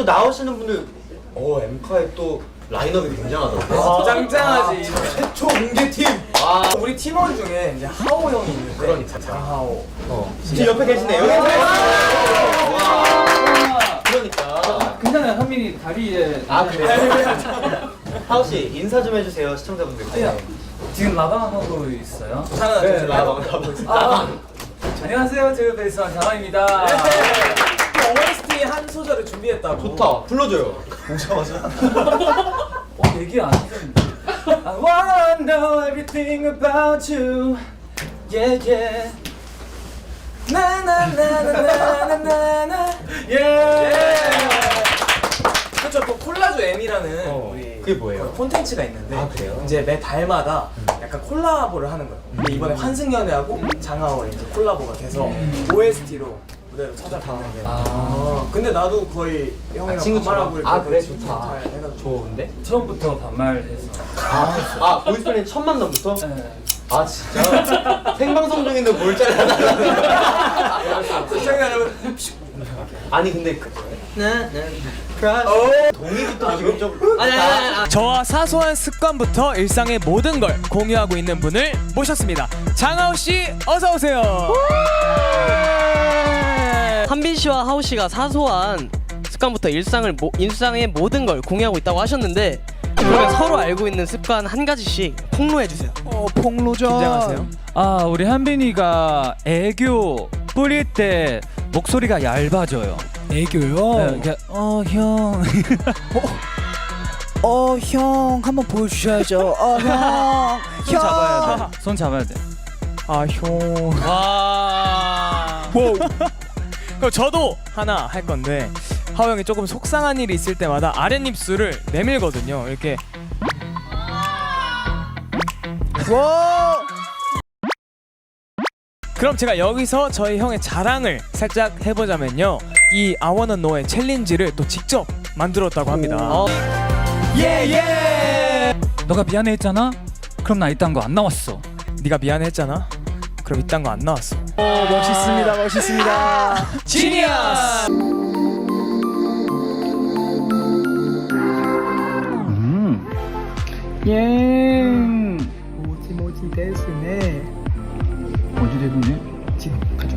또 나오시는 분들 엠카의 또 라인업이 굉장하더라고요. 짱짱하지. 최초 공개팀. 우리 팀원 중에 이제 하오 형이 있는데. 그러니까 장하오. 지금 옆에 계시네. 여기 그러니까. 괜찮아요. 현민이 다리에. 그래요? 하우 씨 인사 좀 해주세요 시청자분들께. 지금 라방하고 있어요. 네, 라방을 하고 있어요. 안녕하세요. 제가 베이스원 장하입니다. OST 한 소절을 준비했다고. 좋다. 불러줘요. 오자마자. 얘기 안 했는데. I wanna know everything about you. Yeah yeah. 나나나나나나나. 예. 그렇죠. 또 콜라주 M이라는 우리 그게 뭐예요? 콘텐츠가 있는데 그래요? 이제 매 달마다 약간 콜라보를 하는 거예요. 근데 이번에 환승연애하고 장하오의 이제 콜라보가 돼서 OST로 무대로 찾아가는 게. 근데 나도 거의 형이랑 친구처럼. 반말하고 그래? 이렇게 좋다. 잘 해가지고. 좋은데? 처음부터 반말해서. 보이스플랜 첫 만남부터? 네. 진짜? 생방송 중인데 뭘 잘라달라고. 시청자 여러분. 아니 근데 동의부터 지금 좀 저와 사소한 습관부터 일상의 모든 걸 공유하고 있는 분을 모셨습니다. 장하오 씨, 어서 오세요. 한빈 씨와 하우 씨가 사소한 습관부터 일상의 모든 걸 공유하고 있다고 하셨는데, 그러면 서로 알고 있는 습관 한 가지씩 폭로해 주세요. 폭로전. 긴장하세요. 우리 한빈이가 애교 뿌릴 때 목소리가 얇아져요. 애교요? 네, 형. 형 한번 보여주셔야죠. 형. 손 잡아야 돼. 손 잡아야 돼. 형. 와. 그럼 저도 하나 할 건데, 하오 형이 조금 속상한 일이 있을 때마다 아랫입술을 내밀거든요. 이렇게. 와. 그럼 제가 여기서 저희 형의 자랑을 살짝 해보자면요, 이 I Wanna Know의 챌린지를 또 직접 만들었다고 합니다. 예예. 너가 미안해했잖아? 그럼 나 이딴 거 안 나왔어. 네가 미안했잖아. 그럼 이딴 거 안 나왔어. 멋있습니다. 멋있습니다. 지니어스. 예. 모지 대수네. 모지 대수네. 지금 가자.